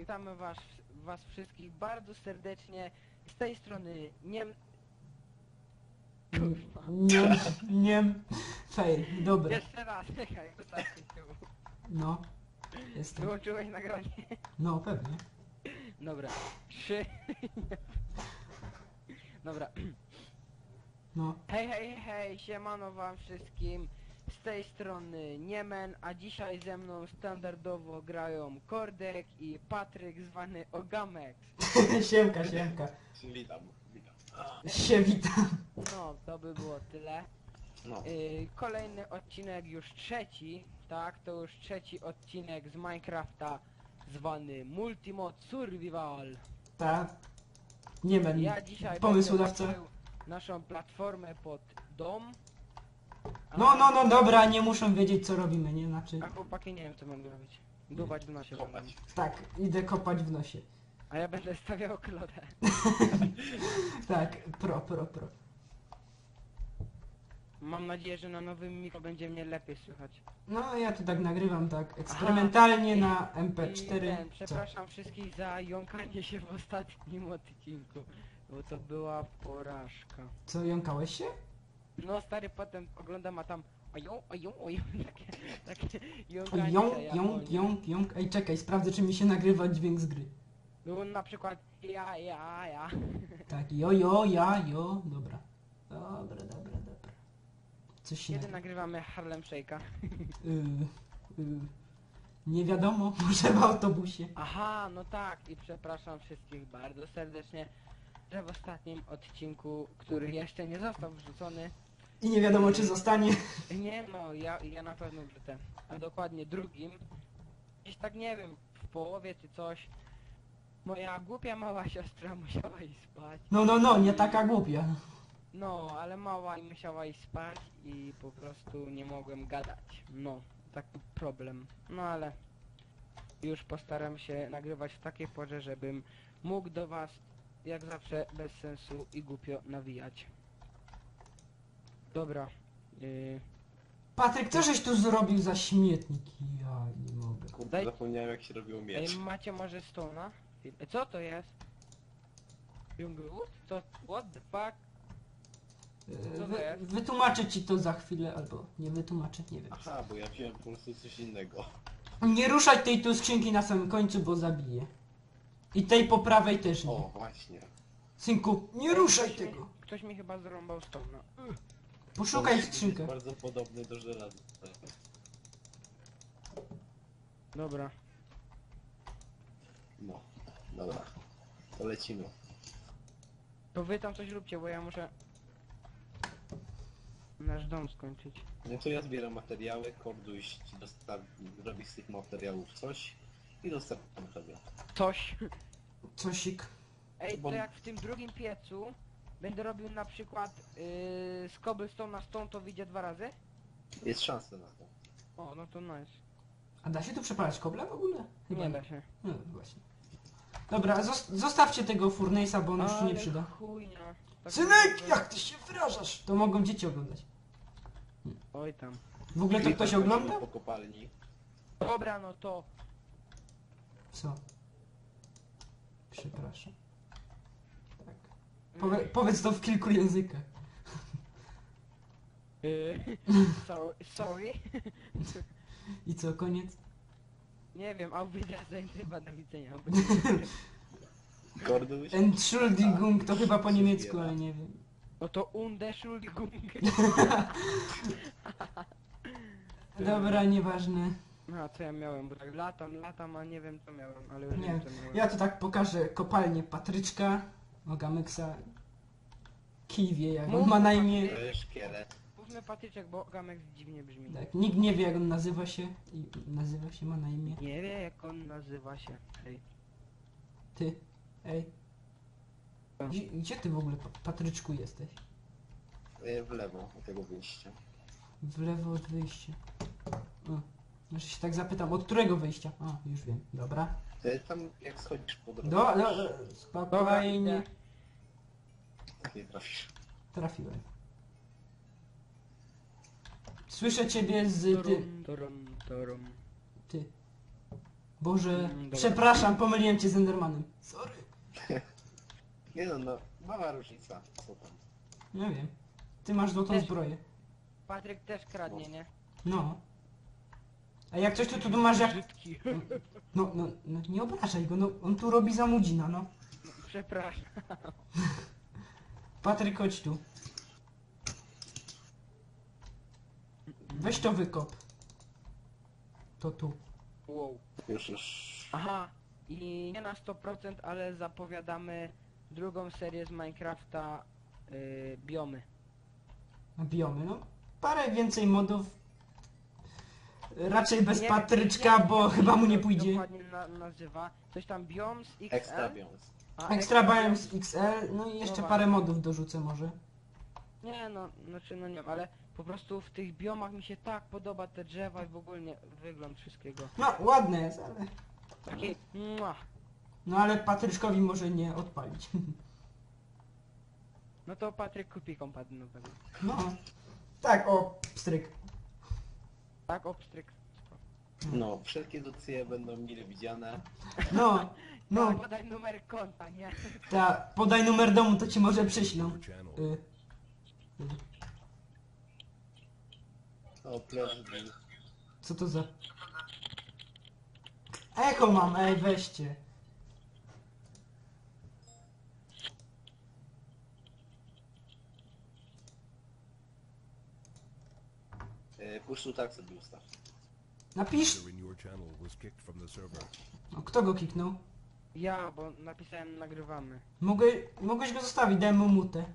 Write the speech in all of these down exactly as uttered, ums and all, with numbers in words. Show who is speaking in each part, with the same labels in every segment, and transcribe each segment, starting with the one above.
Speaker 1: witamy was, was wszystkich bardzo serdecznie. Z tej strony nie... Kurwa.
Speaker 2: Nie, nie, fail, dobra.
Speaker 1: Jeszcze raz, czekaj, ostatni tył.
Speaker 2: No, jestem.
Speaker 1: Wyłączyłeś nagranie?
Speaker 2: No, pewnie.
Speaker 1: Dobra, trzy... Dobra.
Speaker 2: No,
Speaker 1: Hej, hej, hej, siemano wam wszystkim. Z tej strony Niemen, a dzisiaj ze mną standardowo grają Kordek i Patryk zwany Ogamex.
Speaker 2: siemka, siemka.
Speaker 3: Witam, witam.
Speaker 2: Sie witam.
Speaker 1: No, to by było tyle.
Speaker 3: No,
Speaker 1: Yy, kolejny odcinek, już trzeci, tak? To już trzeci odcinek z Minecrafta zwany Multimod Survival.
Speaker 2: Ta. Nie będę.
Speaker 1: Ja dzisiaj
Speaker 2: Pomysłodawca.
Speaker 1: będę łączył naszą platformę pod dom. A-
Speaker 2: No, no, no, dobra, nie muszą wiedzieć co robimy, nie? Znaczy,
Speaker 1: A chłopaki nie wiem co mam robić. Dubać w nosie.
Speaker 3: kopać.
Speaker 1: będę.
Speaker 2: tak, idę kopać w nosie.
Speaker 1: A ja będę stawiał klodę.
Speaker 2: Tak, pro, pro, pro.
Speaker 1: Mam nadzieję, że na nowym mikro będzie mnie lepiej słychać.
Speaker 2: No, ja tu tak nagrywam, tak, eksperymentalnie
Speaker 1: Aha.
Speaker 2: na M P
Speaker 1: I
Speaker 2: cztery.
Speaker 1: ten, przepraszam wszystkich za jąkanie się w ostatnim odcinku, bo to była porażka.
Speaker 2: Co, co jąkałeś się?
Speaker 1: No stary, potem oglądam, a tam oją, oją, oją, takie, takie jąkanie
Speaker 2: Jąk,
Speaker 1: się
Speaker 2: jąk,
Speaker 1: Japonii.
Speaker 2: jąk, jąk. Ej, czekaj, sprawdzę czy mi się nagrywa dźwięk z gry.
Speaker 1: Było na przykład ja, ja, ja.
Speaker 2: Tak, jo, jo, ja, jo, dobra. Dobra, dobra, dobra. Coś się
Speaker 1: Kiedy
Speaker 2: nagrywa.
Speaker 1: nagrywamy Harlem Shake'a?
Speaker 2: Y, y, nie wiadomo, może w autobusie.
Speaker 1: Aha, no tak, i przepraszam wszystkich bardzo serdecznie, że w ostatnim odcinku, który jeszcze nie został wrzucony,
Speaker 2: I nie wiadomo czy zostanie.
Speaker 1: nie no, ja, ja na pewno wrzucę, a dokładnie drugim, gdzieś tak nie wiem, w połowie czy coś, moja głupia mała siostra musiała iść spać.
Speaker 2: No, no, no, nie taka głupia.
Speaker 1: No, ale mała i musiała iść spać i po prostu nie mogłem gadać. No, taki problem. No ale już postaram się nagrywać w takiej porze, żebym mógł do was jak zawsze bez sensu i głupio nawijać. Dobra. Yy,
Speaker 2: Patryk, co żeś tu zrobił za śmietnik? Ja nie mogę.
Speaker 3: kurde,
Speaker 1: Daj-
Speaker 3: zapomniałem jak się robiło miecz.
Speaker 1: ej, macie może stona? Ej, co to jest? Junglewood? Co? What the fuck?
Speaker 2: Y,
Speaker 1: to
Speaker 2: Wy,
Speaker 1: jest?
Speaker 2: wytłumaczę ci to za chwilę, albo nie wytłumaczę, nie wiem.
Speaker 3: Aha, bo ja wziąłem po prostu coś innego.
Speaker 2: Nie ruszaj tej tu skrzynki na samym końcu, bo zabiję. I tej po prawej też nie.
Speaker 3: O, właśnie.
Speaker 2: Synku, nie
Speaker 1: Ej,
Speaker 2: ruszaj
Speaker 1: ktoś mi-
Speaker 2: tego.
Speaker 1: Ktoś mi chyba zrąbał stona. Ugh.
Speaker 2: Poszukaj
Speaker 3: jest
Speaker 2: skrzynkę.
Speaker 3: bardzo podobny do żelaza.
Speaker 1: Dobra.
Speaker 3: No, dobra. To lecimy.
Speaker 1: To wy tam coś róbcie, bo ja muszę nasz dom skończyć.
Speaker 3: No to ja zbieram materiały, Korduś ci dostawi, robi z tych materiałów coś i dostarczam sobie.
Speaker 1: Coś.
Speaker 2: Cosik.
Speaker 1: Ej,
Speaker 3: Bo-
Speaker 1: to jak w tym drugim piecu będę robił na przykład yy, z cobblestone na stone, to wyjdzie dwa razy?
Speaker 3: Jest szansa na to.
Speaker 1: O, no to nice.
Speaker 2: A da się tu przepalać kobla w ogóle?
Speaker 1: Nie da się.
Speaker 2: No właśnie. Dobra, zos zostawcie tego furnace'a, bo on już się nie
Speaker 1: Ale
Speaker 2: przyda.
Speaker 1: chujnia. Tak
Speaker 2: Synek,
Speaker 1: mówię.
Speaker 2: jak ty się wyrażasz? To mogą dzieci oglądać.
Speaker 1: Oj tam.
Speaker 2: W ogóle to
Speaker 3: I
Speaker 2: ktoś
Speaker 3: tak
Speaker 2: ogląda?
Speaker 3: chodzimy po kopalni.
Speaker 1: Dobra, no to.
Speaker 2: Co? Przepraszam. Tak. Powie powiedz to w kilku językach.
Speaker 1: Yy, sorry, sorry.
Speaker 2: I co, koniec?
Speaker 1: Nie wiem, a widzę chyba do widzenia.
Speaker 3: Korduś?
Speaker 2: Entschuldigung to chyba po
Speaker 3: się
Speaker 2: niemiecku,
Speaker 3: zbiera.
Speaker 2: ale nie wiem.
Speaker 1: No to Undeschuldigung.
Speaker 2: Dobra, nieważne.
Speaker 1: No a co ja miałem, bo tak latam, latam, a nie wiem co miałem, ale już
Speaker 2: Nie,
Speaker 1: wiem co miałem.
Speaker 2: ja tu tak pokażę kopalnię Patryczka, Ogameksa. Kij wie jak on
Speaker 1: Mów,
Speaker 2: ma na
Speaker 1: Patryk.
Speaker 2: imię.
Speaker 3: To jest szkielet.
Speaker 1: Mówmy Patyczek, bo Gamek dziwnie brzmi.
Speaker 2: Tak, nikt nie wie jak on nazywa się. I nazywa się, ma na imię.
Speaker 1: Nie wie jak on nazywa się. Hej.
Speaker 2: Ty. Ej.
Speaker 1: Co?
Speaker 2: Gdzie, gdzie ty w ogóle, Pa- Patryczku, jesteś?
Speaker 3: E, W lewo od tego wyjścia.
Speaker 2: W lewo od wyjścia. O, znaczy się tak zapytam, od którego wyjścia? A, już wiem, dobra.
Speaker 3: E, Tam jak schodzisz po drodze.
Speaker 2: Do, do, do, spokojnie.
Speaker 1: idę.
Speaker 3: Tak nie trafisz.
Speaker 2: Trafiłem. Słyszę ciebie z ty,
Speaker 1: Torum, torum, torum.
Speaker 2: ty. Boże,
Speaker 1: Mm, dobra.
Speaker 2: przepraszam, pomyliłem cię z Endermanem. Sorry.
Speaker 3: Nie no, no, mała różnica. Co tam?
Speaker 2: Nie wiem. Ty masz złotą
Speaker 1: Też-
Speaker 2: zbroję.
Speaker 1: Patryk też kradnie, nie?
Speaker 2: No. A jak coś to tu masz jak...
Speaker 1: Brzydki.
Speaker 2: No, no, no nie obrażaj go, no on tu robi zamudzina, no.
Speaker 1: Przepraszam.
Speaker 2: Patryk, chodź tu. Weź to wykop. To tu.
Speaker 1: Wow.
Speaker 3: Już, już.
Speaker 1: Aha, i nie na sto procent, ale zapowiadamy drugą serię z Minecrafta, yy, biomy.
Speaker 2: Na biomy, no. Parę więcej modów. Raczej bez
Speaker 1: Nie-
Speaker 2: Patryczka,
Speaker 1: nie-
Speaker 2: bo
Speaker 1: nie-
Speaker 2: chyba mu nie
Speaker 1: to
Speaker 2: pójdzie.
Speaker 1: Dokładnie na, nazywa. Coś tam Biomes X L.
Speaker 3: Extra bions.
Speaker 1: a
Speaker 2: Extra
Speaker 1: Biomes-
Speaker 2: Biomes X L, no i jeszcze
Speaker 1: No
Speaker 2: parę
Speaker 1: właśnie.
Speaker 2: modów dorzucę może.
Speaker 1: Nie no, znaczy no nie wiem, ale po prostu w tych biomach mi się tak podoba te drzewa i w ogóle nie, wygląd wszystkiego.
Speaker 2: No, ładne jest, ale...
Speaker 1: Taki mua.
Speaker 2: No ale Patryczkowi może nie odpalić.
Speaker 1: No to Patryk kupi kompad nowego.
Speaker 2: No. Tak, o, pstryk.
Speaker 1: Tak, obstryk.
Speaker 3: No, wszelkie docy będą mile widziane.
Speaker 2: No,
Speaker 1: No,
Speaker 2: no,
Speaker 1: podaj numer konta, nie?
Speaker 2: ta, podaj numer domu, to ci może przyślą. Y, y.
Speaker 3: O, plażdżi.
Speaker 2: Co to za... Echo mam, ej, weźcie.
Speaker 3: E, Push to tak sobie ustaw.
Speaker 2: Napisz...
Speaker 4: User in your channel was kicked from the server.
Speaker 2: O, kto go kiknął?
Speaker 1: Ja, bo napisałem nagrywamy.
Speaker 2: Mogę, mogłeś go zostawić, dałem mu mutę.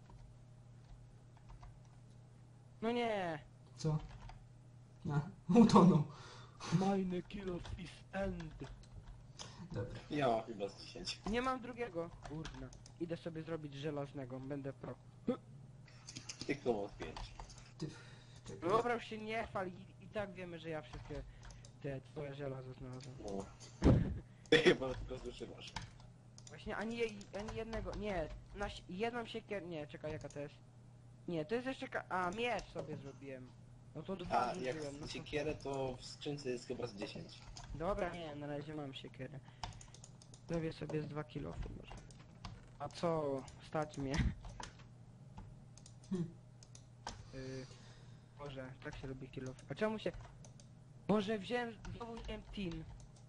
Speaker 1: No nie!
Speaker 2: Co? A, utonął.
Speaker 1: Mine kill is end.
Speaker 2: Dobra.
Speaker 3: Ja mam chyba z dziesięć.
Speaker 1: Nie mam drugiego. Kurna. Idę sobie zrobić żelaznego, będę pro.
Speaker 3: Tylko mam pięć.
Speaker 2: Ty, czekaj.
Speaker 1: Dobra, już się nie chwal i, i tak wiemy, że ja wszystkie te twoje żelazo znalazłem.
Speaker 3: No. Ty chyba tylko zużywasz.
Speaker 1: Właśnie ani, jej, ani jednego, nie, na si- jedną siekier, nie, czekaj jaka to jest. Nie, to jest jeszcze ka- a miecz sobie zrobiłem. No to dwa
Speaker 3: A jak
Speaker 1: zużyłem, no to...
Speaker 3: siekierę to w skrzynce jest chyba z dziesięć.
Speaker 1: Dobra, nie, na razie mam siekierę. Zrobię sobie z dwa kilofy może. A co, stać mnie.
Speaker 2: Hmm.
Speaker 1: Y, Boże, tak się robi kilof. A czemu się... Boże, wziąłem, znowu wziąłem tin.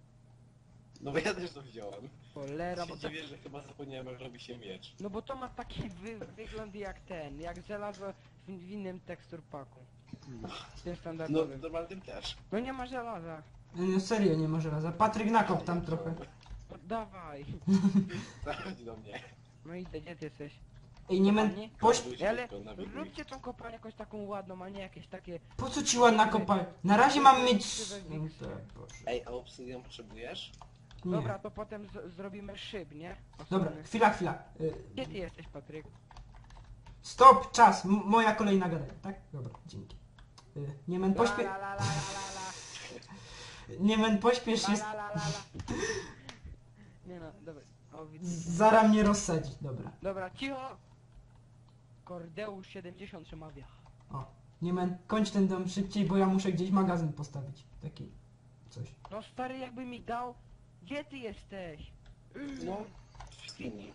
Speaker 3: No bo ja też to wziąłem.
Speaker 1: Cholera, bo
Speaker 3: się
Speaker 1: to...
Speaker 3: dziwię, że chyba zapomniałem jak robi się miecz.
Speaker 1: No bo to ma taki wy wygląd jak ten, jak żelazo w, w innym tekstur paku. Tym
Speaker 3: No
Speaker 1: standardowym.
Speaker 3: normalnym też.
Speaker 1: No nie ma żelaza.
Speaker 2: No serio, nie ma żelaza. Patryk nakop tam trochę.
Speaker 1: No, dawaj.
Speaker 3: Zachodź do mnie.
Speaker 1: No idę, gdzie ty jesteś?
Speaker 2: Ej, nie men...
Speaker 1: Kopalni?
Speaker 2: Poś...
Speaker 3: Korduś,
Speaker 1: Ale
Speaker 3: tylko nawiguj.
Speaker 1: róbcie tą kopalnię jakąś taką ładną, a nie jakieś takie...
Speaker 2: Po co ci ładna kopalnia? Na razie mam mieć... No tak, Boże.
Speaker 3: Ej, a obsydian potrzebujesz?
Speaker 2: Nie.
Speaker 1: Dobra, to potem z zrobimy szyb, nie?
Speaker 2: Dobra,
Speaker 1: Osobny.
Speaker 2: chwila, chwila. Y,
Speaker 1: Gdzie ty jesteś, Patryk?
Speaker 2: Stop, czas. M moja kolejna gadania, tak? Dobra, dzięki. Y, nie men pośpie...
Speaker 1: La, la, la, la, la, la.
Speaker 2: Nie men pośpiesz się...
Speaker 1: La, la, la, la, la. Nie no, dobra. O, widzę.
Speaker 2: Zara mnie rozsadzi, dobra.
Speaker 1: Dobra, cicho! Kordeusz siedemdziesiąt przemawia.
Speaker 2: O, nie men, kończ ten dom szybciej, bo ja muszę gdzieś magazyn postawić. Taki... coś.
Speaker 1: No stary, jakby mi dał... Gdzie ty jesteś?
Speaker 3: No, w skini.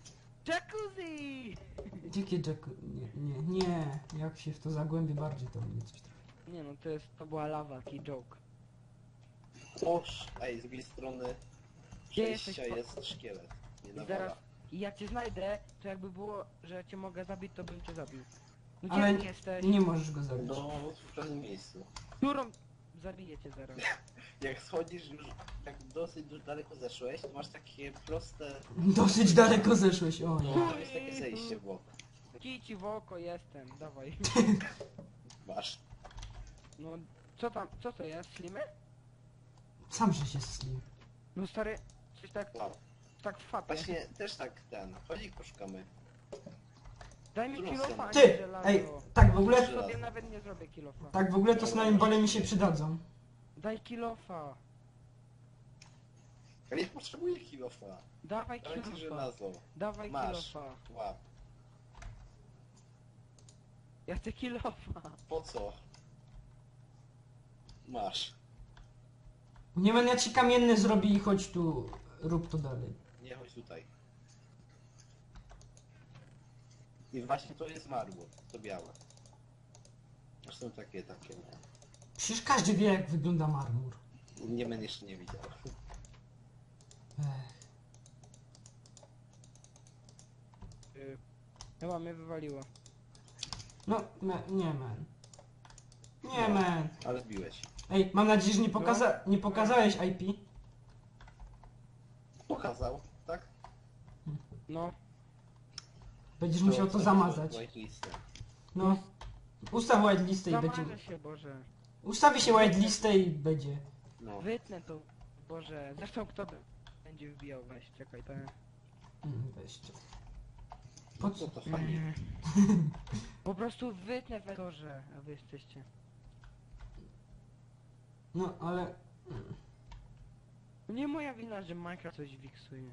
Speaker 1: Jacuzzi!
Speaker 2: Dzikie Jack... Nie, nie, nie. Jak się w to zagłębię bardziej, to mnie coś trafi.
Speaker 1: Nie no, to jest, to była lawa, taki joke.
Speaker 3: Oż, ej, z drugiej strony
Speaker 1: Gdzie
Speaker 3: przejścia
Speaker 1: jesteś,
Speaker 3: jest szkielet. Nie
Speaker 1: I
Speaker 3: nawala.
Speaker 1: zaraz, i jak cię znajdę, to jakby było, że cię mogę zabić, to bym cię zabił. No gdzie
Speaker 2: Ale
Speaker 1: ty jesteś?
Speaker 2: nie możesz go zabić.
Speaker 3: No, w pewnym miejscu.
Speaker 1: Którą zabiję cię zaraz?
Speaker 3: Jak schodzisz już, jak dosyć już daleko zeszłeś, to masz takie proste...
Speaker 2: Dosyć daleko zeszłeś, o nie.
Speaker 3: No, to jest takie zejście w bok.
Speaker 1: Kij ci w oko jestem, dawaj.
Speaker 3: Masz.
Speaker 1: No, co tam, co to jest, slimy?
Speaker 2: Sam że się slił.
Speaker 1: No stary, coś tak,
Speaker 3: Wow.
Speaker 1: tak w fapie.
Speaker 3: Właśnie też tak ten, chodzi poszukamy.
Speaker 1: Daj mi
Speaker 3: którą
Speaker 1: kilofa,
Speaker 3: stronę?
Speaker 1: a nie
Speaker 2: Ty!
Speaker 1: żelazo.
Speaker 2: Ej, tak w ogóle...
Speaker 3: Żelazo.
Speaker 1: Sobie nawet nie zrobię kilofa.
Speaker 2: Tak w ogóle to snajmbole mi się przydadzą.
Speaker 1: Daj kilofa.
Speaker 3: Ja nie potrzebuję kilofa.
Speaker 1: Dawaj
Speaker 3: Dałem ci
Speaker 1: kilofa.
Speaker 3: żelazo.
Speaker 1: Dawaj
Speaker 3: Masz.
Speaker 1: kilofa.
Speaker 3: Łap.
Speaker 1: Ja chcę kilofa.
Speaker 3: Po co? Masz.
Speaker 2: Nie będę, ja ci kamienny zrobię i chodź tu, rób to dalej.
Speaker 3: Nie chodź tutaj. I właśnie to jest marmur, to białe. Zresztą takie, takie, no.
Speaker 2: Przecież każdy wie, jak wygląda marmur.
Speaker 3: Nie będę jeszcze nie widział.
Speaker 2: Ech.
Speaker 1: Y, Chyba mnie wywaliło.
Speaker 2: No, me, nie man. Nie
Speaker 3: No.
Speaker 2: man.
Speaker 3: Ale zbiłeś.
Speaker 2: Ej, mam nadzieję, że nie, pokaza nie pokazałeś I P.
Speaker 3: Pokazał, tak?
Speaker 1: No,
Speaker 2: Będziesz musiał to zamazać.
Speaker 3: Whitelistem.
Speaker 2: No. Ustaw whitelistę i
Speaker 1: zamarzę
Speaker 2: będzie...
Speaker 1: się, Boże.
Speaker 2: Ustawi się whitelistę i będzie.
Speaker 3: No.
Speaker 1: Wytnę to, Boże. Zresztą kto by- będzie wbijał, weź, czekaj, to...
Speaker 2: Mm, weźcie. Po
Speaker 3: Po co
Speaker 2: co?
Speaker 3: to fajnie?
Speaker 1: Nie. Po prostu wytnę w etorze, a wy jesteście.
Speaker 2: No, ale...
Speaker 1: Nie moja wina, że Minecraft coś wiksuje.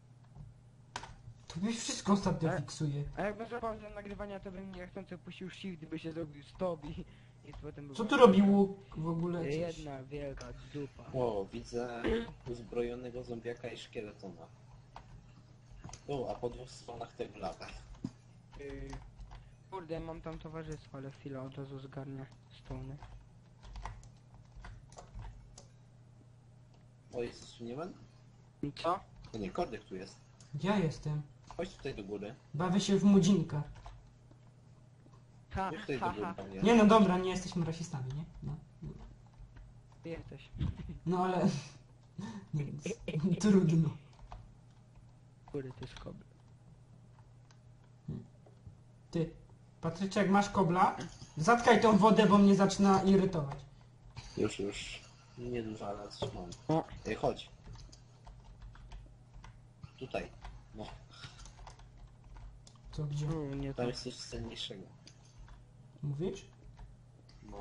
Speaker 2: To byś wszystko ostatnio
Speaker 1: Ale-
Speaker 2: fiksuje.
Speaker 1: A jakby złapał za nagrywania, to bym niechcący puścił shift, by się zrobił stop i... i potem by
Speaker 2: Co
Speaker 1: było-
Speaker 2: tu robi łuk w ogóle? Coś?
Speaker 1: Jedna wielka dupa.
Speaker 3: O, widzę uzbrojonego zombiaka i szkieletona. O, a po dwóch stronach tego lata.
Speaker 1: Yy, Kurde, mam tam towarzystwo, ale chwilę od razu zgarnę stony.
Speaker 3: O, jest tu nie ma?
Speaker 1: I co?
Speaker 3: No nie, Kordek tu jest.
Speaker 2: Ja jestem.
Speaker 3: Chodź tutaj do góry.
Speaker 2: Bawię się w mudzinka.
Speaker 1: Ha,
Speaker 3: Chodź tutaj
Speaker 1: ha,
Speaker 3: do góry,
Speaker 1: ha.
Speaker 3: panie.
Speaker 2: Nie no dobra, nie jesteśmy rasistami, nie? No,
Speaker 1: Ty jesteś.
Speaker 2: no ale... Nie, trudno.
Speaker 1: Kurde, to jest kobry.
Speaker 2: Ty, Patryczek, masz kobla? Zatkaj tą wodę, bo mnie zaczyna irytować.
Speaker 3: Już, już. Niedużo, ale coś mam.
Speaker 1: O.
Speaker 3: Ej, chodź. Tutaj. No,
Speaker 2: Co, gdzie?
Speaker 1: No, nie to.
Speaker 3: tam jest coś cenniejszego.
Speaker 2: Mówisz?
Speaker 3: No.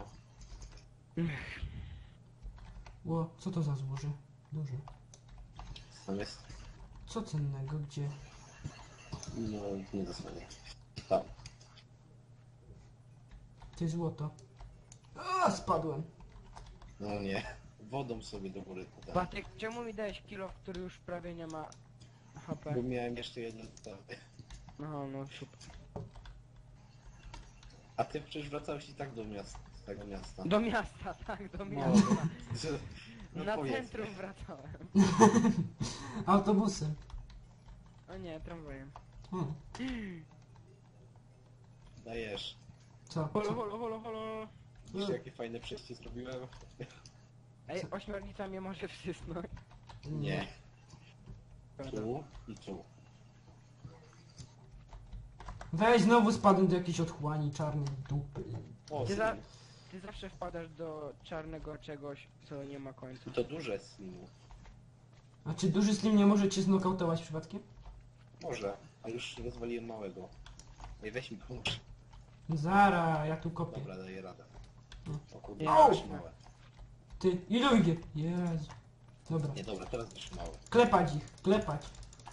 Speaker 2: Ło, co to za złoże? Duże.
Speaker 3: Tam jest...
Speaker 2: Co cennego? Gdzie?
Speaker 3: No, nie zasłaniaj. Tam.
Speaker 2: Ty złoto. A, spadłem.
Speaker 3: No nie. Wodą sobie do góry podam.
Speaker 1: Batek, czemu mi dałeś kilo, który już prawie nie ma H P?
Speaker 3: Bo miałem jeszcze jedno tutaj.
Speaker 1: Aha, no super.
Speaker 3: A ty przecież wracałeś i tak do miasta, z tego miasta.
Speaker 1: Do miasta, tak, do
Speaker 3: No.
Speaker 1: miasta.
Speaker 3: Że- no
Speaker 1: Na
Speaker 3: powiedzmy.
Speaker 1: centrum wracałem.
Speaker 2: Autobusem.
Speaker 1: O nie, tramwajem.
Speaker 2: Hmm.
Speaker 3: Dajesz.
Speaker 2: Co?
Speaker 1: Holo,
Speaker 2: Co?
Speaker 1: holo, holo, holo.
Speaker 3: Widzisz jakie fajne przejście zrobiłem?
Speaker 1: Ej, ośmiornica mnie może wsysnąć.
Speaker 3: Nie.
Speaker 1: Prawda.
Speaker 3: Tu i tu.
Speaker 2: Weź, znowu spadłem do jakiejś otchłani czarnej dupy.
Speaker 3: O,
Speaker 1: Ty, za,
Speaker 3: slim.
Speaker 1: ty zawsze wpadasz do czarnego czegoś, co nie ma końca.
Speaker 3: To duże slimu.
Speaker 2: A czy duży slim nie może cię znokautować przypadkiem?
Speaker 3: Może, a już rozwaliłem małego. Ej, weź mi pomóż.
Speaker 2: Zara, ja tu kopię.
Speaker 3: Dobra, daję radę.
Speaker 2: No.
Speaker 3: O kurde,
Speaker 1: Au!
Speaker 3: wyszły małe.
Speaker 2: Ty, ile idzie? Jezu. Dobra.
Speaker 3: Nie, dobra, teraz wyszły małe.
Speaker 2: Klepać ich, klepać.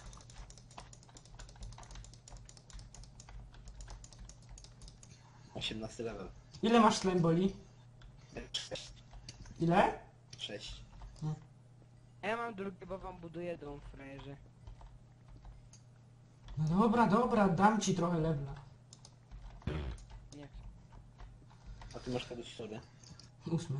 Speaker 3: osiemnasty level.
Speaker 2: Ile masz slime boli?
Speaker 3: Sześć.
Speaker 2: Ile?
Speaker 3: Sześć.
Speaker 1: A ja mam drugi, bo wam buduję dom, frajerzy.
Speaker 2: No dobra, dobra, dam ci trochę levela.
Speaker 1: Nie chcę.
Speaker 3: A ty masz kogoś sobie?
Speaker 2: Ósmy.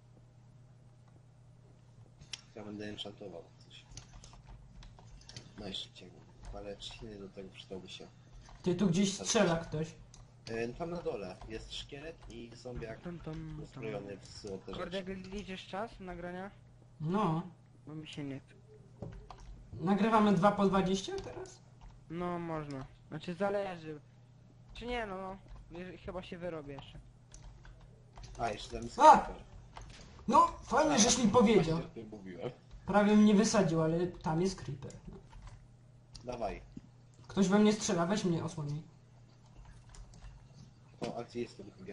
Speaker 3: Ja będę enchantował coś. Najszybciej. Ale trzciny do tego przydałby się.
Speaker 2: Ty, tu gdzieś strzela ktoś.
Speaker 3: E, tam na dole jest szkielet i zombiak
Speaker 1: Tam, tam, tam.
Speaker 3: uzbrojony w złote
Speaker 1: Kurde,
Speaker 3: rzeczy.
Speaker 1: liczysz czas nagrania?
Speaker 2: No.
Speaker 1: Bo mi się nie chce.
Speaker 2: Nagrywamy dwa po dwadzieścia teraz?
Speaker 1: No, można. Znaczy zależy. Czy nie, no, no. Jeżeli- Chyba się wyrobię jeszcze.
Speaker 3: A, jeszcze tam jest
Speaker 2: A!
Speaker 3: creeper.
Speaker 2: No, fajnie, żeś mi powiedział.
Speaker 3: Właśnie o tym mówiłem.
Speaker 2: Prawie mnie wysadził, ale tam jest creeper. No.
Speaker 3: Dawaj.
Speaker 2: Ktoś we mnie strzela, weź mnie osłonij.
Speaker 3: O, a gdzie jest to drugie?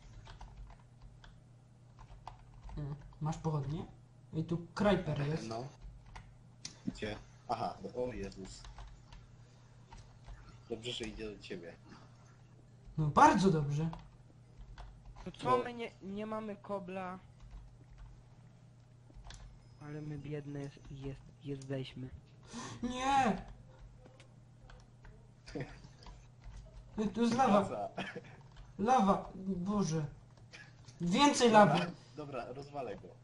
Speaker 2: Mm. Masz pochodnie? I tu creeper jest.
Speaker 3: No. Gdzie? Aha, no, o Jezus. Dobrze, że idzie do ciebie.
Speaker 2: No bardzo dobrze.
Speaker 1: To co, my nie, nie mamy kobla? Ale my biedne jest, jest, jesteśmy.
Speaker 2: Nie! Ej, tu jest lawa.
Speaker 3: Baza.
Speaker 2: Lawa. Boże. Więcej
Speaker 3: Dobra,
Speaker 2: lawy.
Speaker 3: dobra, rozwalę go.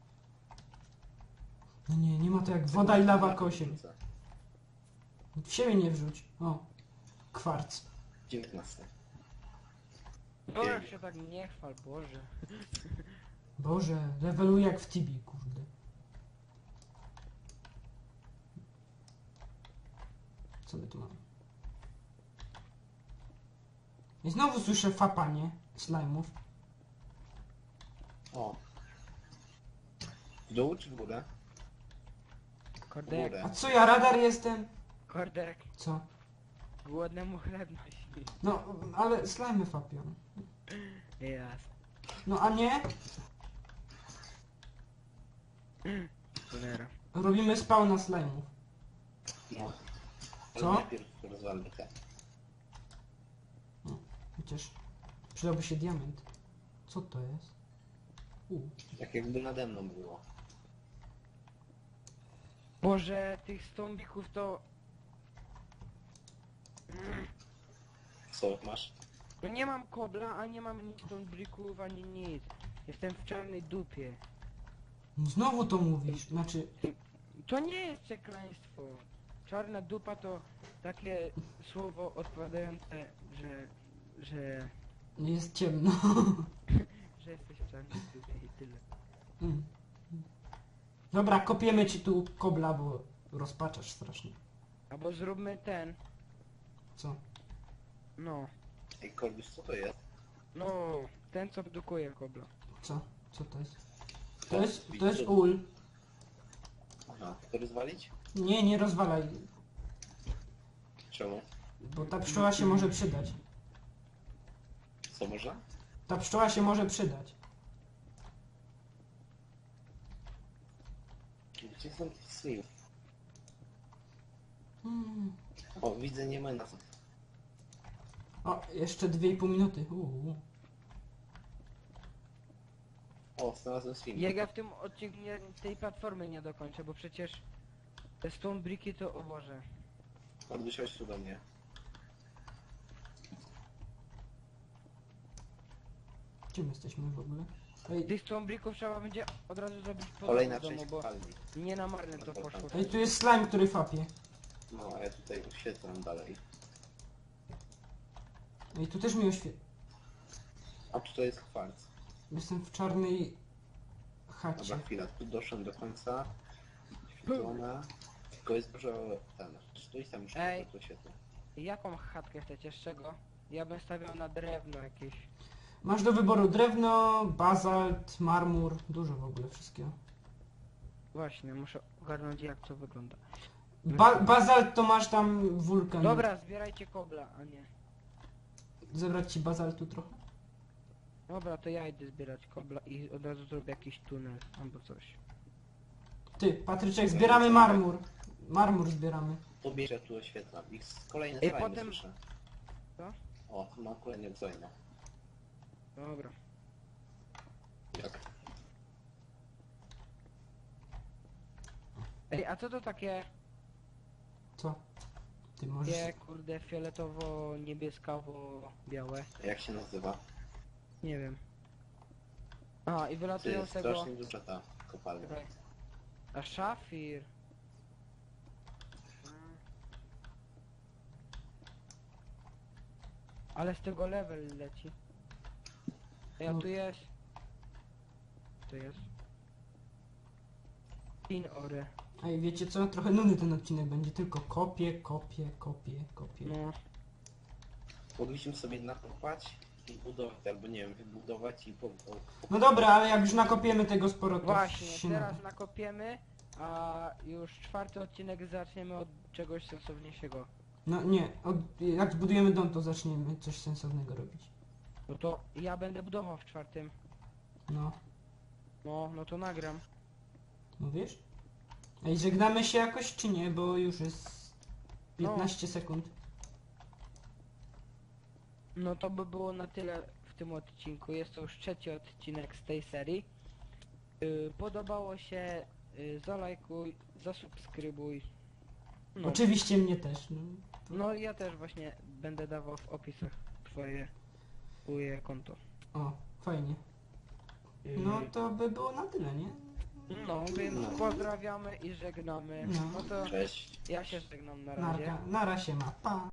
Speaker 2: No nie, nie ma to jak woda i lawa kosie.
Speaker 3: Wrzucę.
Speaker 2: W siebie nie wrzuć. O. Kwarc.
Speaker 3: dziewiętnaście.
Speaker 1: No jak się tak nie chwal, Boże.
Speaker 2: Boże, leveluję jak w Tibi, kurde. Co my tu mamy? I znowu słyszę fapanie slajmów.
Speaker 3: O. W dół czy w górę? W
Speaker 1: Kordek,
Speaker 3: górę.
Speaker 2: A co ja, radar jestem?
Speaker 1: kordek,
Speaker 2: Co?
Speaker 1: głodnemu chleb nosi.
Speaker 2: No, ale slajmy fapią.
Speaker 1: Jas.
Speaker 2: No a nie?
Speaker 1: Cholera.
Speaker 2: Robimy spawna slajmów.
Speaker 3: No.
Speaker 2: Co?
Speaker 3: Ale najpierw rozwalmy te.
Speaker 2: Chociaż przydałby się diament. Co to jest? U.
Speaker 3: Tak jakby nade mną było.
Speaker 1: Boże, tych stąbików to...
Speaker 3: Co masz?
Speaker 1: No nie mam kobla, a nie mam nic stąbików, ani nic. Jestem w czarnej dupie.
Speaker 2: Znowu to mówisz. Znaczy,
Speaker 1: To nie jest przekleństwo. Czarna dupa to takie słowo odpowiadające, że... że...
Speaker 2: jest ciemno.
Speaker 1: że jesteś w czarnej dupie i tyle.
Speaker 2: Mm. Dobra, kopiemy ci tu kobla, bo rozpaczasz strasznie.
Speaker 1: Albo zróbmy ten...
Speaker 2: Co?
Speaker 1: no...
Speaker 3: Ej, Korbus, co to jest?
Speaker 1: no... ten co produkuje kobla.
Speaker 2: Co? Co to jest? To jest, to
Speaker 3: widzę.
Speaker 2: jest ul.
Speaker 3: Aha, to rozwalić?
Speaker 2: Nie, nie rozwalaj,
Speaker 3: Czemu?
Speaker 2: bo ta pszczoła się może przydać.
Speaker 3: Co można?
Speaker 2: Ta pszczoła się może przydać.
Speaker 3: Gdzie są te sliv?
Speaker 2: Mm.
Speaker 3: O, widzę, nie ma nas.
Speaker 2: O, jeszcze dwie i pół minuty. Uuu.
Speaker 3: O, znalazłem sliv.
Speaker 1: Jak ja w tym odcinku nie, tej platformy nie dokończę, bo przecież... te stone bricki to... o Boże.
Speaker 3: Korbus, chodź tu do mnie.
Speaker 2: Gdzie my jesteśmy w ogóle? Ej,
Speaker 1: Tych stone bricków trzeba będzie od razu zrobić po
Speaker 3: Kolejna
Speaker 1: domu,
Speaker 3: część
Speaker 1: bo
Speaker 3: kopalni.
Speaker 1: nie na marne to poszło.
Speaker 2: ej, tu jest slime, który fapie.
Speaker 3: No, a ja tutaj oświetlam dalej.
Speaker 2: Ej, tu też mi oświe...
Speaker 3: A tutaj jest kwarc.
Speaker 2: Jestem w czarnej
Speaker 3: Dobra,
Speaker 2: chacie.
Speaker 3: chwila, tu doszłem do końca. Świetlona. Tylko jest dużo... ten... Stój tam już
Speaker 1: Ej.
Speaker 3: to świetło.
Speaker 1: Jaką chatkę chcecie? Z czego? Ja bym stawiał na drewno jakieś.
Speaker 2: Masz do wyboru drewno, bazalt, marmur, dużo w ogóle wszystkiego.
Speaker 1: Właśnie, muszę ogarnąć jak to wygląda.
Speaker 2: Ba bazalt to masz tam wulkan.
Speaker 1: Dobra, zbierajcie kobla, a nie.
Speaker 2: Zebrać ci bazaltu trochę?
Speaker 1: Dobra, to ja idę zbierać kobla i od razu zrobię jakiś tunel albo coś.
Speaker 2: Ty, Patryczek, zbieramy marmur. Marmur zbieramy.
Speaker 3: To bierz, ja tu oświetlam. I kolejne
Speaker 1: Ej,
Speaker 3: slajmy
Speaker 1: potem-
Speaker 3: słyszę.
Speaker 1: Co?
Speaker 3: O, tu mam kolejne slajmy.
Speaker 1: Dobra.
Speaker 3: Jak?
Speaker 1: Ej, a co to takie,
Speaker 2: Co? Ty możesz...
Speaker 1: takie kurde fioletowo-niebieskawo-białe?
Speaker 3: Jak się nazywa?
Speaker 1: Nie wiem. A, i
Speaker 3: To
Speaker 1: wylatują
Speaker 3: jest
Speaker 1: z tego...
Speaker 3: strasznie duża ta kopalnia.
Speaker 1: Czekaj. A szafir. Mm. Ale z tego level leci. Ej, a
Speaker 2: No.
Speaker 1: tu jest... Tu jest. Tin ore.
Speaker 2: Ej, wiecie co? Trochę nudny ten odcinek będzie, tylko kopie, kopie, kopie, kopie.
Speaker 1: No.
Speaker 3: Mogliśmy sobie nakopać i budować, albo nie wiem, wybudować i po... po
Speaker 2: No dobra, ale jak już nakopiemy tego sporo, to
Speaker 1: Właśnie,
Speaker 2: się
Speaker 1: teraz
Speaker 2: nada.
Speaker 1: nakopiemy, a już czwarty odcinek zaczniemy od czegoś sensowniejszego.
Speaker 2: No nie, od, jak zbudujemy dom, to zaczniemy coś sensownego robić.
Speaker 1: No to ja będę budował w czwartym.
Speaker 2: No,
Speaker 1: No, no to nagram.
Speaker 2: mówisz? Ej, żegnamy się jakoś czy nie, bo już jest piętnaście sekund.
Speaker 1: No to by było na tyle w tym odcinku. Jest to już trzeci odcinek z tej serii. Yy, podobało się, y, zalajkuj, zasubskrybuj. No,
Speaker 2: Oczywiście mnie też. No.
Speaker 1: no ja też właśnie będę dawał w opisach twoje, twoje konto.
Speaker 2: O, fajnie.
Speaker 1: Y,
Speaker 2: No to by było na tyle, nie?
Speaker 1: No, więc
Speaker 3: No.
Speaker 1: pozdrawiamy i żegnamy.
Speaker 2: No.
Speaker 1: No to
Speaker 3: Cześć.
Speaker 1: ja się żegnam na razie.
Speaker 2: Narka, nara się ma. Pa.